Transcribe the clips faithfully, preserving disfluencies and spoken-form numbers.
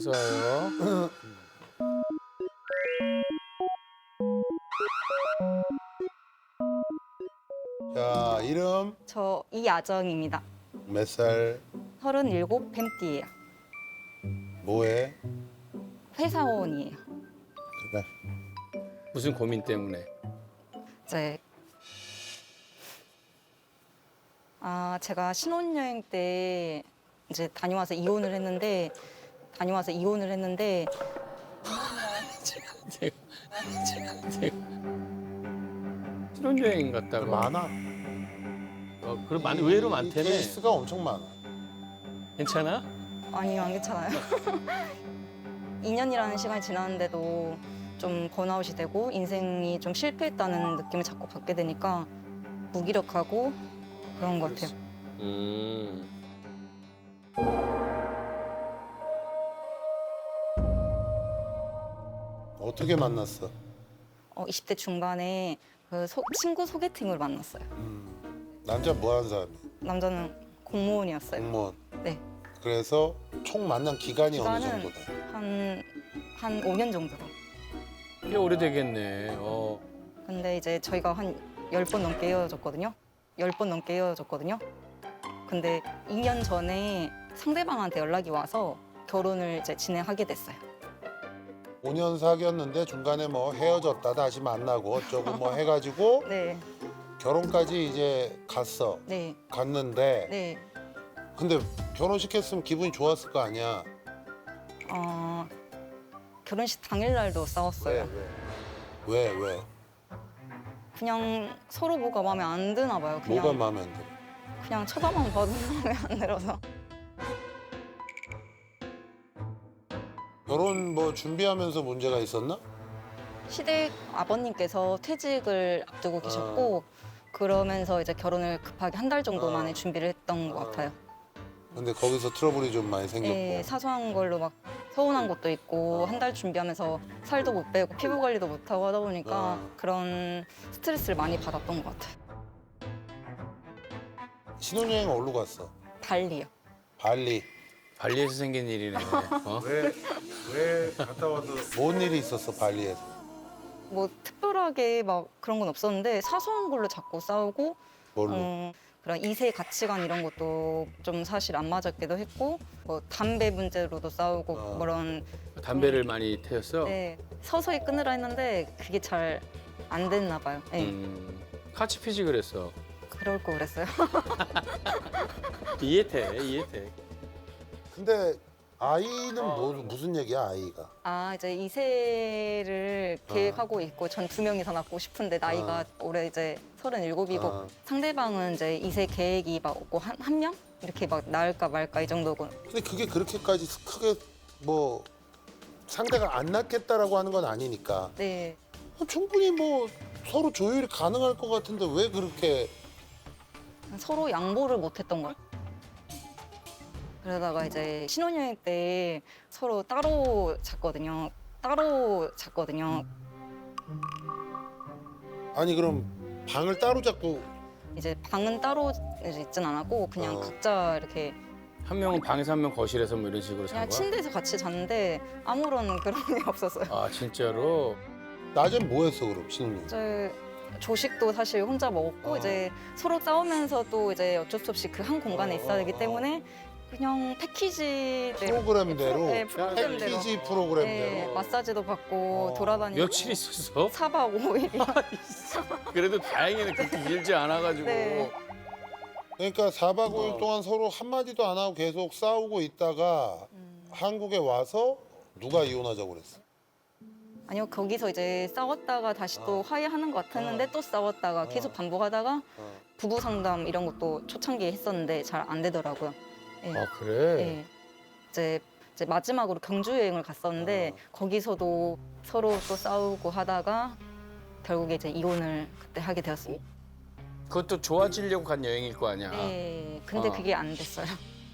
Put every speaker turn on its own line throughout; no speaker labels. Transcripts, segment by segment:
어서 와요.
자, 이름
저 이아정입니다.
몇 살,
서른일곱 뱀띠예요.
뭐해?
회사원이에요.
그래.
무슨 고민 때문에?
이제 아 제가 신혼여행 때 이제 다녀와서 이혼을 했는데 다녀와서 이혼을 했는데
제가, 제가, 제가 신혼여행 갔다가
많아.
어, 그럼 많 의외로
이
많대네.
케이스가 엄청 많아.
괜찮아?
아니요 안 괜찮아요. 이 년이라는 시간이 지났는데도 좀 번아웃이 되고 인생이 좀 실패했다는 느낌을 자꾸 받게 되니까 무기력하고 그런 것 같아요.
음.
어떻게 만났어?
어, 이십 대 중반에 그 소- 친구 소개팅을 만났어요.
음, 남자 뭐 하는 사람이야?
남자는 공무원이었어요.
공무원.
네.
그래서 총 만난 기간이 어느
기간은
정도 돼?
한, 한 오 년 정도.
꽤 오래되겠네. 어.
근데 이제 저희가 한 열 번 넘게 헤어졌거든요. 열 번 넘게 헤어졌거든요. 근데 이 년 전에 상대방한테 연락이 와서 결혼을 이제 진행하게 됐어요.
오 년 사귀었는데 중간에 뭐 헤어졌다 다시 만나고 어쩌고 뭐 해가지고
네,
결혼까지 이제 갔어.
네,
갔는데
네.
근데 결혼시켰으면 기분이 좋았을 거 아니야.
어, 결혼식 당일날도 싸웠어요.
왜? 왜? 왜?
그냥 서로 뭐가 마음에 안 드나 봐요. 그냥,
뭐가 마음에 안 들어?
그냥 쳐다만 봐도 마음에 안 들어서.
결혼 뭐 준비하면서 문제가 있었나?
시댁 아버님께서 퇴직을 앞두고 계셨고 그러면서 이제 결혼을 급하게 한 달 정도
어.
만에 준비를 했던 것
어.
같아요.
근데 거기서 트러블이 좀 많이 생겼고.
예, 사소한 걸로 막 서운한 것도 있고
어.
한 달 준비하면서 살도 못 빼고 피부 관리도 못 하고 하다 보니까
어.
그런 스트레스를 많이 받았던 것 같아요.
신혼여행 어디로 갔어?
발리요.
발리.
발리에서 생긴 일이네. 어?
왜, 왜 갔다 와서 뭔 일이 있었어, 발리에서?
뭐 특별하게 막 그런 건 없었는데 사소한 걸로 자꾸 싸우고
뭘로?
음, 그런 이세 가치관 이런 것도 좀 사실 안 맞았기도 했고 뭐 담배 문제로도 싸우고
어.
그런
담배를 많이 태웠어?
네, 서서히 끊으라 했는데 그게 잘 안 됐나 봐요. 네,
음. 같이 피지 그랬어.
그럴 거 그랬어요.
이해돼, 이해돼.
근데 아이는 뭐, 무슨 얘기야, 아이가?
아 이제 이세를
어.
계획하고 있고 전 두 명이서 낳고 싶은데 나이가 올해 이제 서른일곱이고
어.
상대방은 이제 이세 계획이 막 없고 한, 한 명? 이렇게 막 낳을까 말까 이 정도고
근데 그게 그렇게까지 크게 뭐 상대가 안 낫겠다라고 하는 건 아니니까
네.
충분히 뭐 서로 조율이 가능할 것 같은데 왜 그렇게
서로 양보를 못 했던 것 같아요. 그러다가 이제 신혼여행 때 서로 따로 잤거든요. 따로 잤거든요.
아니 그럼 방을 따로 잡고
이제 방은 따로 이제 있진 않았고 그냥
어.
각자 이렇게
한 명은 방에서 한 명 거실에서 뭐 이런 식으로
그냥
산 거야?
침대에서 같이 잤는데 아무런 그런 게 없었어요.
아, 진짜로?
낮엔 뭐 했어 그럼 신혼여행?
이제 조식도 사실 혼자 먹었고
어.
이제 서로 싸우면서도 이제 어쩔 수 없이 그 한 공간에
어,
있어야 되기
어,
때문에 그냥 패키지
프로그램대로
네, 프로그램대로
패키지
네,
프로그램대로
마사지도 받고
어.
돌아다니고
며칠 있었어?
사 박 오 일
그래도 다행이네. 그렇게 길지 않아가지고.
네.
그러니까 사 박 오 일
어.
동안 서로 한마디도 안 하고 계속 싸우고 있다가 한국에 와서 누가 이혼하자고 그랬어?
아니요 거기서 이제 싸웠다가 다시 또
어.
화해하는 것 같았는데
어.
또 싸웠다가
어.
계속 반복하다가
어.
부부 상담 이런 것도 초창기에 했었는데 잘 안 되더라고요. 네.
아, 그래?
네. 이제, 이제 마지막으로 경주 여행을 갔었는데
어.
거기서도 서로 또 싸우고 하다가 결국에 이제 이혼을 그때 하게 되었습니다.
그것도 좋아지려고 간 여행일 거 아니야?
네. 근데
어.
그게 안 됐어요.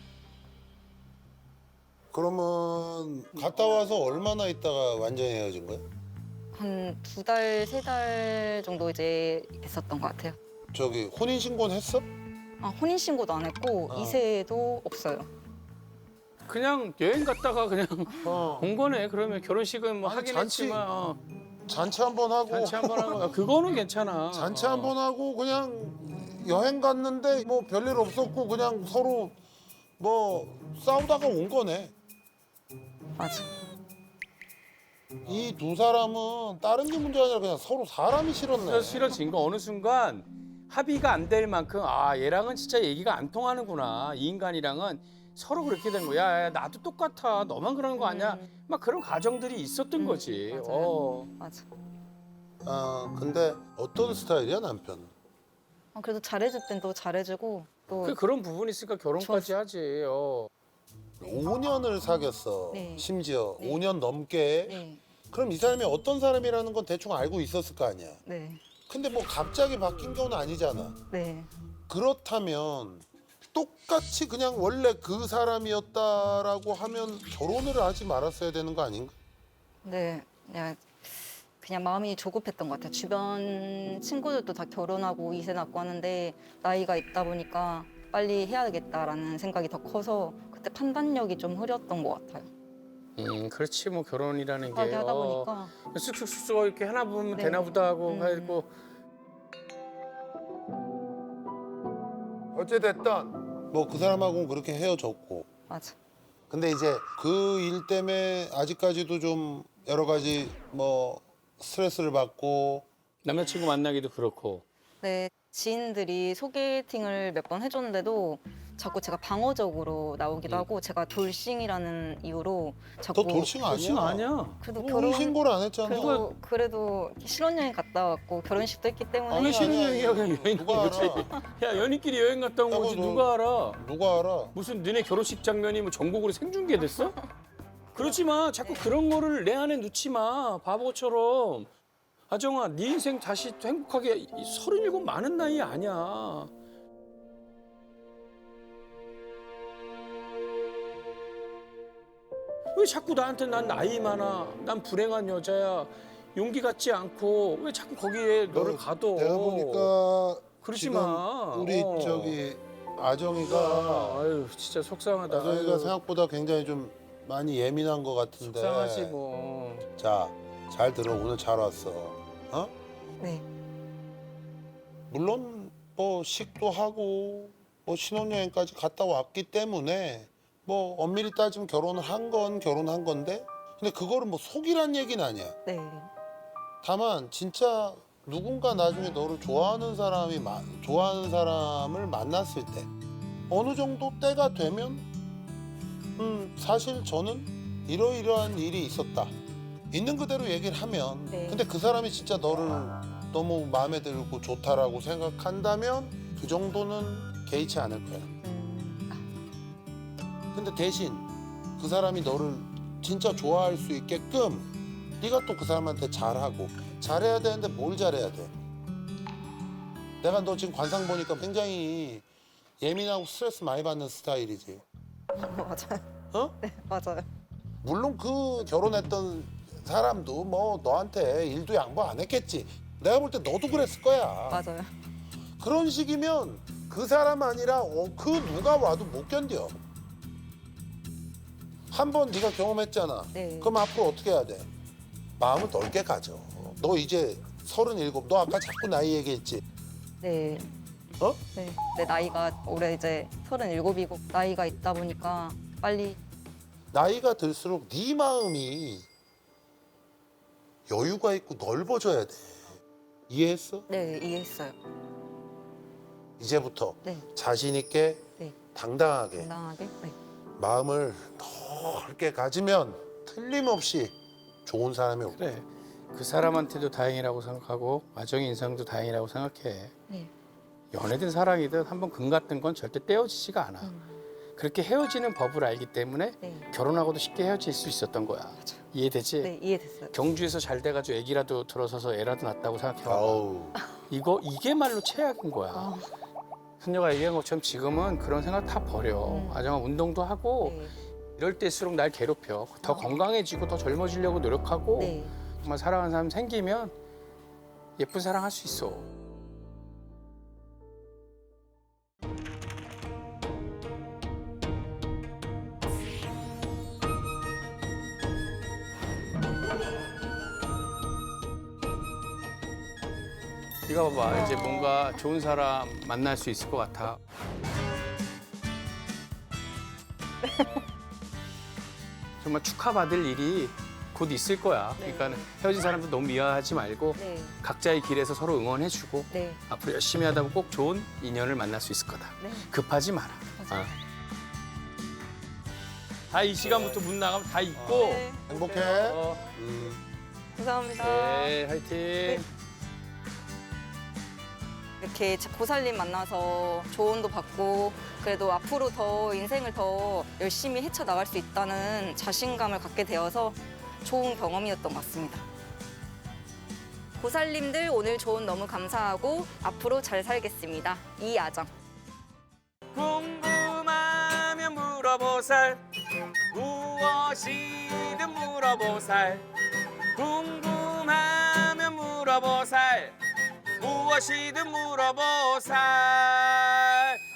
그러면 갔다 와서 얼마나 있다가 완전히 헤어진 거야?
한 두 달, 세 달 정도 이제 됐었던 것 같아요.
저기 혼인 신고는 했어?
아, 혼인신고도 안 했고
어.
이세도 없어요.
그냥 여행 갔다가 그냥
어.
온 거네. 그러면 결혼식은 뭐
아니,
하긴
잔치-
했지만 어,
잔치 한 번 하고
잔치 한 번 하고 아, 그거는 괜찮아.
잔치
어.
한 번 하고 그냥 여행 갔는데 뭐 별일 없었고 그냥 서로 뭐 싸우다가 온 거네.
맞아.
이 두 사람은 다른 게 문제가 아니라 그냥 서로 사람이 싫었네.
그래서 싫어진 거 어느 순간 합의가 안 될 만큼 아 얘랑은 진짜 얘기가 안 통하는구나. 이 인간이랑은 서로 그렇게 된 거야. 야, 야, 나도 똑같아. 너만 그러는 거 아니야? 막 그런 가정들이 있었던
음,
거지.
맞아요.
어.
맞아.
아 근데 어떤 스타일이야 남편은?
어, 그래도 잘해줄 땐 또 잘해주고 또
그 그런 부분이 있으니까 결혼까지 하지. 어.
오 년을 사귀었어.
네.
심지어
네.
오 년 넘게.
네,
그럼 이 사람이 어떤 사람이라는 건 대충 알고 있었을 거 아니야.
네,
근데 뭐 갑자기 바뀐 경우는 아니잖아.
네.
그렇다면 똑같이 그냥 원래 그 사람이었다라고 하면 결혼을 하지 말았어야 되는 거 아닌가?
네, 그냥 그냥 마음이 조급했던 것 같아요. 주변 친구들도 다 결혼하고 이세 낳고 하는데 나이가 있다 보니까 빨리 해야겠다라는 생각이 더 커서 그때 판단력이 좀 흐렸던 것 같아요.
음, 그렇지 뭐 결혼이라는 게
급하게 하다
어,
보니까
쑥쑥쑥쑥 이렇게 하나 보면
네.
되나 보다 하고
음.
하고
어찌됐든 뭐 그 사람하고는 그렇게 헤어졌고.
맞아.
근데 이제 그 일 때문에 아직까지도 좀 여러 가지 뭐 스트레스를 받고.
남자친구 만나기도 그렇고.
네, 지인들이 소개팅을 몇 번 해줬는데도 자꾸 제가 방어적으로 나오기도
음.
하고 제가 돌싱이라는 이유로 자꾸
너 돌싱 아니야?
그렇지 아니야.
그래도
우리
결혼
신고를 안 했잖아.
그래도 그래도 신혼여행 갔다 왔고 결혼식도 했기 때문에
아니,
왜
아니,
신혼여행이야 그냥 여행
누가
간 거지.
알아?
야 연인끼리 여행 갔다 온
야,
거지
너-
누가 알아.
누가 알아?
무슨 너네 결혼식 장면이 뭐 전국으로 생중계됐어? 그러지 마. 자꾸 그런 거를 내 안에 넣지 마. 바보처럼. 아정아, 네 인생 다시 행복하게 서른일곱 많은 나이 아니야. 왜 자꾸 나한테 난 나이 많아, 난 불행한 여자야, 용기 갖지 않고 왜 자꾸 거기에 너를 가둬?
내가 보니까
그러지
지금
마.
우리
어.
저기 아정이가
아유 진짜 속상하다.
아정이가
아유,
생각보다 굉장히 좀 많이 예민한 것 같은데.
속상하지 뭐.
자, 잘 들어. 오늘 잘 왔어. 어?
네,
물론 뭐 식도 하고 뭐 신혼여행까지 갔다 왔기 때문에 뭐 엄밀히 따지면 결혼을 한 건 결혼한 건데, 근데 그거를 뭐 속이란 얘기는 아니야.
네,
다만 진짜 누군가 나중에 너를 좋아하는 사람이 마- 좋아하는 사람을 만났을 때 어느 정도 때가 되면 음 사실 저는 이러이러한 일이 있었다, 있는 그대로 얘기를 하면
네.
근데 그 사람이 진짜 너를 너무 마음에 들고 좋다라고 생각한다면 그 정도는 개의치 않을 거야.
음,
근데 대신 그 사람이 너를 진짜 좋아할 수 있게끔 네가 또 그 사람한테 잘하고 잘해야 되는데 뭘 잘해야 돼? 내가 너 지금 관상 보니까 굉장히 예민하고 스트레스 많이 받는 스타일이지.
맞아요.
어?
네, 맞아요.
물론 그 결혼했던 사람도 뭐 너한테 일도 양보 안 했겠지. 내가 볼 때 너도 그랬을 거야.
맞아요.
그런 식이면 그 사람 아니라 어, 그 누가 와도 못 견뎌. 한 번 네가 경험했잖아.
네.
그럼 앞으로 어떻게 해야 돼? 마음을 넓게 가져. 너 이제 서른일곱. 너 아까 자꾸 나이 얘기했지.
네,
어?
네. 내 나이가 올해 이제 서른일곱이고 나이가 있다 보니까 빨리
나이가 들수록 네 마음이 여유가 있고 넓어져야 돼. 이해했어?
네 이해했어요.
이제부터
네,
자신 있게
네,
당당하게
당당하게. 네,
마음을 넓게 가지면 틀림없이 좋은 사람이 올 거야.
그래. 그 사람한테도 다행이라고 생각하고 아정이 인상도 다행이라고 생각해.
네.
연애든 사랑이든 한번 금 같은 건 절대 떼어지지가 않아.
음,
그렇게 헤어지는 법을 알기 때문에
네,
결혼하고도 쉽게 헤어질 수 있었던 거야.
맞아요.
이해되지?
네 이해됐어요.
경주에서 잘 돼가지고 애기라도 들어서서 애라도 낳았다고 생각해봐.
아우.
이거 이게 말로 최악인 거야.
아,
선녀가 얘기한 것처럼 지금은 그런 생각 다 버려.
음.
아정아 운동도 하고
네,
이럴 때일수록 날 괴롭혀. 더
아.
건강해지고 더 젊어지려고 노력하고
네.
정말 사랑하는 사람 생기면 예쁜 사랑 할 수 있어. 이거 봐봐. 이제 뭔가 좋은 사람 만날 수 있을 것 같아. 정말 축하받을 일이 곧 있을 거야.
네.
그러니까 헤어진 사람도 너무 미워하지 말고
네,
각자의 길에서 서로 응원해주고
네,
앞으로 열심히 하다 보면 꼭 좋은 인연을 만날 수 있을 거다.
네.
급하지 마라.
맞아요.
다 이 시간부터 문 나가면 다 있고.
네,
행복해.
어,
음.
감사합니다.
네, 화이팅.
이렇게 고살님 만나서 조언도 받고 그래도 앞으로 더 인생을 더 열심히 헤쳐나갈 수 있다는 자신감을 갖게 되어서 좋은 경험이었던 것 같습니다. 고살님들 오늘 조언 너무 감사하고 앞으로 잘 살겠습니다. 이아정.
궁금하면 물어보살 무엇이든 물어보살 궁금하면 물어보살 무엇이든 물어보살